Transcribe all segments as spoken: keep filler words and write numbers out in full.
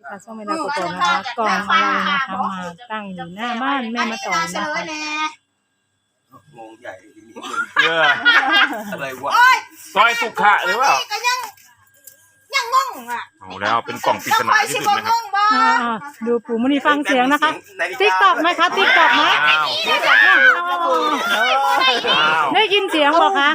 ค่ะช่วงเวลาก่อนนะคะกล่องอะไรนะคะมาตั้งอยู่หน้าบ้านแม่มาต่อยนะคะงงใหญ่ทีนี้เอออะไรวะซอยสุขะหรือเปล่าก็ยังยังงงอ่ะเอาแล้วเป็นกล่องปริศนาที่สุดนะครับอ่าๆดูปู่มุนีฟังเสียงนะคะติ๊กตอกไหมคะติ๊กตอกไหมอ้าวอ้าวได้ยินเสียงบอกคะ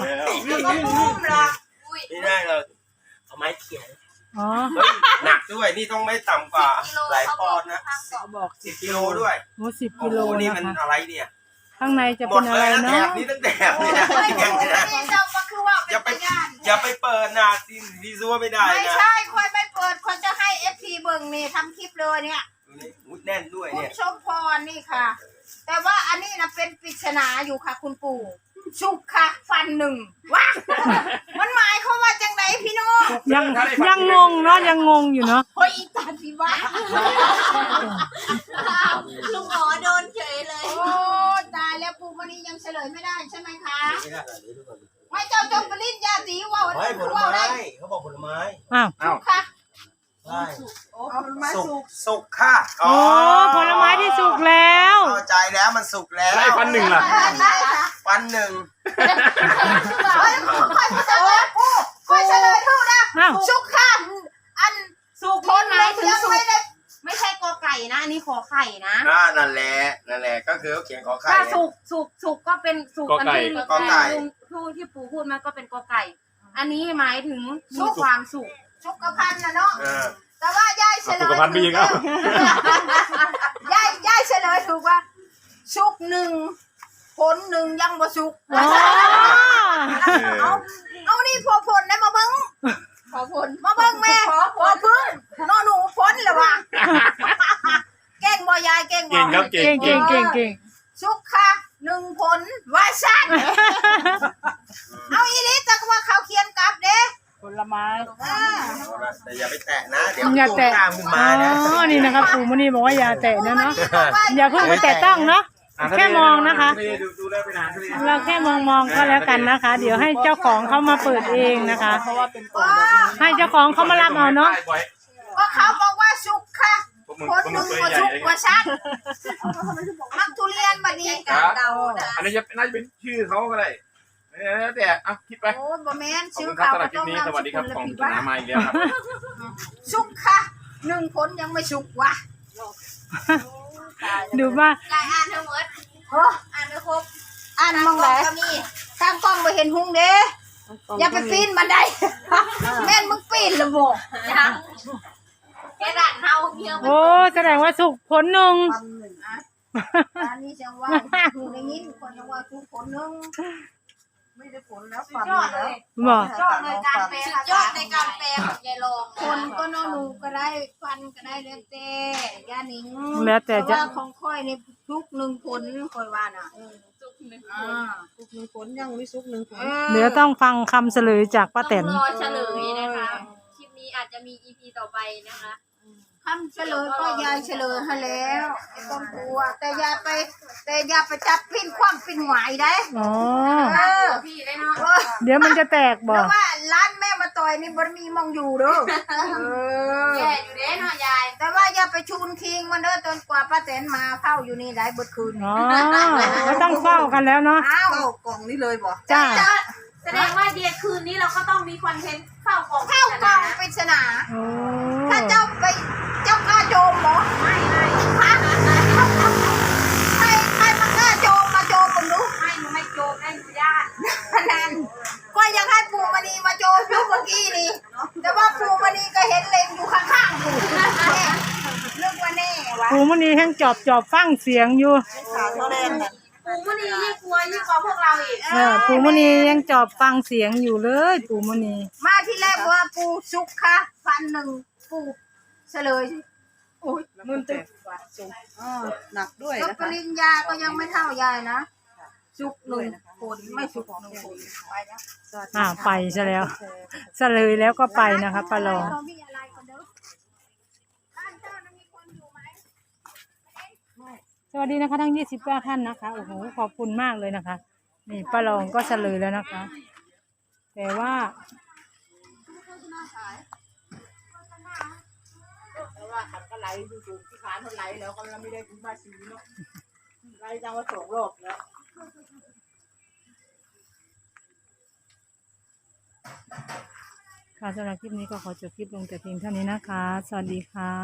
ไม่ได้เราเอาไม้เขียนอ๋อหนักด้วยนี่ต้องไม่ต่ำกว่าหลายปอนด์นะบอกสิบกิโลด้วยโอ้สิบโอ้กิโหโลนี่นะมันคะอะไรเนี่ยข้างในจะหมเป็ดนเลอะไรยนะแถเนาะบนี้ตั้งแต่เนี่ยยังเลยนะอย่าไปอย่าไปเปิดนะซีซีซัวไม่ได้ไม่นะใช่คอยไม่เปิดคนจะให้เอฟซีเบิ่งนี่ทำคลิปเลยเนี่ยดูนี่อุ๊ยแน่นด้วยคุเนี่ณยชมพรนี่ค่ะ แต่ว่าอันนี้นะเป็นปริศนาอยู่ค่ะ คุณปู่ชุกค่ะ ฟันหนึ่งว้ามันหมายเขามว่าจังไหนพี่น้องยังยังงงเนาะยังงงอยู่เนาะโอ้ยอีตาพี่ว่าลุงหมอโดนเฉยเลยโอ้ตายแล้วปู่มันนี้ยังเฉลยไม่ได้ใช่ไหมคะไม่ได้เลยทุกคนไม่เจ้าจงปริญญาตีว่าวันไม่นี้ผลว่าไม้ได้เขาบอกผลไม้อ้าวอ้าวค่ะใช่โอ้ผลไม้สุกสุกสุกค่ะโอ้ผลไม้ที่สุกแล้วเข้าใจแล้วมันสุกแล้วได้ฟันหนึ่งล่ะได้ค่ะฟันหนึ่งเฮ้ยค่อยเฉลยปู่ค่อยเฉลยถูกนะอ้าวสุกค่ะอันสุกพ้นหมายถึงสุกไม่ใช่กอไก่นะ อันนี้ขอไข่นะอ่านั่นแหละนั่นแหละก็คือเขาเขียนขอไข่ถ้าไงสุกสุกสุกก็เป็นสุกกอไก่ที่กอไก่ลุงผู้ที่ปู่พูดมาก็เป็นกอไก่ อันนี้หมายถึงมีความสุขสุกพันธ์นะเนาะเออแต่ว่ายายเฉลสุยขภัณฑ์มีอีกแล้วยายยายเฉลยถูกว่าสุกหนึ่งผลหนึ่งยังบ่สุกอ๋อเอาเอานี่พอผลได้มาเบิ้งพอผลมาเบิ้งแม่พอพึ่งนอหนูผลเหรอวะเก่งบ่ยายเก่งบ่เก่งครับเก่งเก่งเก่งเก่งเก่งสุกค่ะหนึ่งผลว่าสั้นเอาอีลิจักว่าเขาเขียนกลับเด้ผลไม้อ่าเอาละแต่อย่าไปแตะนะเดี๋ยวอย่าแตะตามขึ้นอ๋มานะอนี่นะคะปู่มุนีบอกว่าอย่าแตะนะเนาะอย่าเพิ่งไปแตะต้องเนาะแค่มองนะคะดูดูได้ไปนานทุเรียนเราแค่มองมองๆก็แล้วกันนะคะ เดี๋ยวให้เจ้าของเขามาเปิดเองนะคะ ให้เจ้าของเขามารับเอาเนาะก็เขาบอกว่าสุกค่ะพวกมึงผลพวกหมึนึ่งงตัวบ่ใหญ่สุกเองว่าสั้นมักทุเรียนบัดนี้ครับเดานะอันนี้จะน่าจะเป็นชื่อเขาก็ได้เออแต่อ่ะคิดไปโอ้บ่แม่นขอบชื่อคุณครับเขาสำหรับคลิปนี้สวัสดีครับของผิปริศนามาอีกแล้วครับสุกค่ะหนึ่งผลยังไม่สุกว่ะดูว่าลายอ่านทั้งหมดโอ้อ่านไม่ครบอ่านมองไหนก็มีทางกล้องบ่เห็นหุงเด้อย่าไปปีนบันไดแม่นมึงปีนละบ่ยังแค่ด่านเฮาเพียงโอ้แสดงว่าสุกผลหนึ่งอันนี้จังว่าหูได้ยินคนจังว่าสุกผลหนึงไม่ได้ผลแล้วสุฟัดนยอดเลยบอกยอดเลยการแปลสุดยอดในการแปลของยายรองคนก็นอหนูก็ได้ฟันก็ได้แล้วแต่ย่านิงแล้วแต่จะว่าของค่อยนี่ทุกหนึ่งผลค่อยว่าน่ะสุกหนึ่งอ่าซุกหนึ่งผลยังไม่ซุกหนึ่งผลเดี๋ยวต้องฟังคำเฉลยจากป้าแตนต้องรอเฉลยนะคะ คลิปนี้อาจจะมี อี พี ต่อไปนะคะคำเฉลยก็ยายเฉลยให้แล้วไม่ต้องกลัวแต่อย่าไป แต่อย่าไปจับพินความปินหวายได้อ๋อเออพี่ได้เนาะเออเดี๋ยวมันจะแตกบแล้อวกว่าร้านแม่มาต่อยนี่บ่มีมองอยู่เด้อเออแย่อยู่เด้เนาะยายแต่ว่าอย่าไปชูนคิงมันเด้อจนกว่าป้าแตนมาเฝ้าอยู่นี่ได้เบิดคืนอ๋อก็ต้องเฝ้ากันแล้วเนาะอ้าวเข้ากล่องนี้เลยบ่จ้าแสดงว่าเดียคืนนี้เราก็ต้องมีคอนเทนต์เข้ากล่องเข้ากล่องปริศนาโอ้ถ้าเจ้าไปเจ้ากล้าโจมเหรอไม่ไม่ฮะใครใครมากล้าโจมมาโจมผมดูไม่หนูไม่โจมได้หนูญาติพนันก็ยังให้ปู่มณีมาโจมอยู่เมื่อกี้นี่ แต่ว่าปู่มณีก็เห็นเล็งอยู่ข้างๆปู่แน่เรื่องว่าแน่วะปู่มุนีแห้งจอบจอบฟังเสียงอยู่ขาเท่าแรกน่ะปู่มุนียิ่งกลัวยิ่งกว่าพวกเราอีกเออปู่มุนียังจอบฟังเสียงอยู่เลยปู่มุนีมาที่แรกว่าปู่สุกค่ะฟันหนึ่งปู่เฉลยโอ้ยมึนตึกซุกอ่าหนักด้วยแล้วนะปคะริญญาก็ยังไม่เท่ายายนะสุกหนึ่งผลไม่สุกหนึ่งผลไปแล้วอ่าไปซะแล้วเฉลยแล้วก็ไปนะคะป้าลองเรามีอะไรกันเด้อบ้านเจ้านั้นมีคนอยู่ไหมสวัสดีนะคะทั้งยี่สิบเก้าท่านนะคะโอ้โหขอบคุณมากเลยนะคะนี่ป้าลองก็เฉลยแล้วนะคะ แต่ว่าวว่าขันก็ไหลดูสูงที่ขาเท่าไหลแล้วก็เราไม่ได้ถึงภาษีเนาะไหลจังว่าสองรอบแล้วค่ะสำหรับคลิปนี้ก็ขอจบคลิปลงแต่เพียงเท่านี้นะคะ สวัสดีค่ะ